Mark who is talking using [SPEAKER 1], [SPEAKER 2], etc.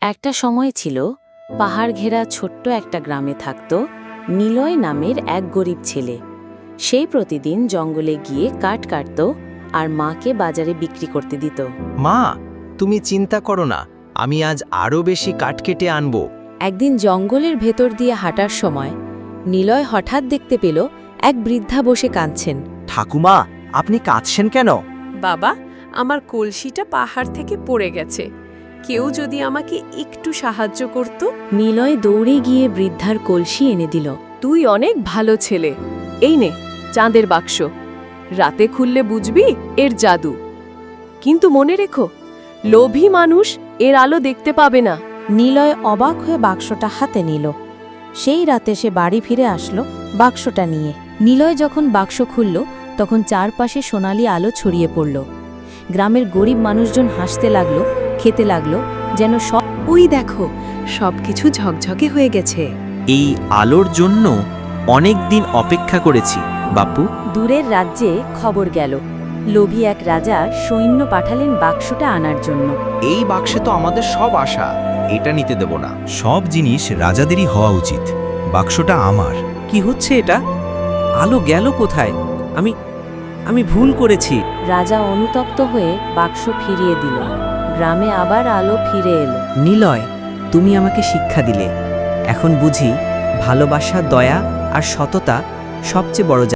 [SPEAKER 1] একটা সময় ছিল পাহাড় ঘেরা ছোট্ট একটা গ্রামে থাকত নিলয় নামের এক গরিব ছেলে। সেই প্রতিদিন জঙ্গলে গিয়ে কাঠ কাটত আর মাকে বাজারে বিক্রি করতে দিত।
[SPEAKER 2] মা, তুমি চিন্তা করো না, আমি আজ আরও বেশি কাঠ কেটে আনবো।
[SPEAKER 1] একদিন জঙ্গলের ভেতর দিয়ে হাঁটার সময় নিলয় হঠাৎ দেখতে পেল এক বৃদ্ধা বসে কাঁদছেন।
[SPEAKER 2] ঠাকুমা, আপনি কাঁদছেন কেন?
[SPEAKER 3] বাবা, আমার কলসিটা পাহাড় থেকে পড়ে গেছে। কেউ যদি আমাকে একটু সাহায্য করত।
[SPEAKER 1] নিলয় দৌড়ে গিয়ে বৃদ্ধার কলসি এনে দিল।
[SPEAKER 3] তুই অনেক ভালো ছেলে। এই নে চাঁদের বাক্স, রাতে খুললে বুঝবি এর জাদু। কিন্তু মনে রেখো, লোভী মানুষ এর আলো দেখতে পাবে না।
[SPEAKER 1] নিলয় অবাক হয়ে বাক্সটা হাতে নিল। সেই রাতে সে বাড়ি ফিরে আসলো বাক্সটা নিয়ে। নিলয় যখন বাক্স খুলল তখন চারপাশে সোনালি আলো ছড়িয়ে পড়ল। গ্রামের গরিব মানুষজন হাসতে লাগলো, খেতে লাগলো, যেন সব।
[SPEAKER 3] ওই দেখো, সবকিছু ঝকঝকে হয়ে গেছে।
[SPEAKER 2] এই আলোর জন্য অনেক দিন অপেক্ষা করেছি বাপু।
[SPEAKER 1] দূরের রাজ্যে খবর গেল, লোভী এক রাজা সৈন্য পাঠালেন বাক্সটা আনার জন্য।
[SPEAKER 2] এই বাক্সে তো আমাদের সব আশা, এটা নিতে দেব না।
[SPEAKER 4] সব জিনিস রাজাদেরই হওয়া উচিত। বাক্সটা আমার।
[SPEAKER 5] কি হচ্ছে এটা? আলো গেল কোথায়? আমি ভুল করেছি।
[SPEAKER 1] রাজা অনুতপ্ত হয়ে বাক্স ফিরিয়ে দিল। গ্রামে আবার আলো ফিরে এলো।
[SPEAKER 5] নিলয়, তুমি আমাকে শিক্ষা দিলে। এখন বুঝি ভালোবাসা, দয়া আর সততা সবচেয়ে বড়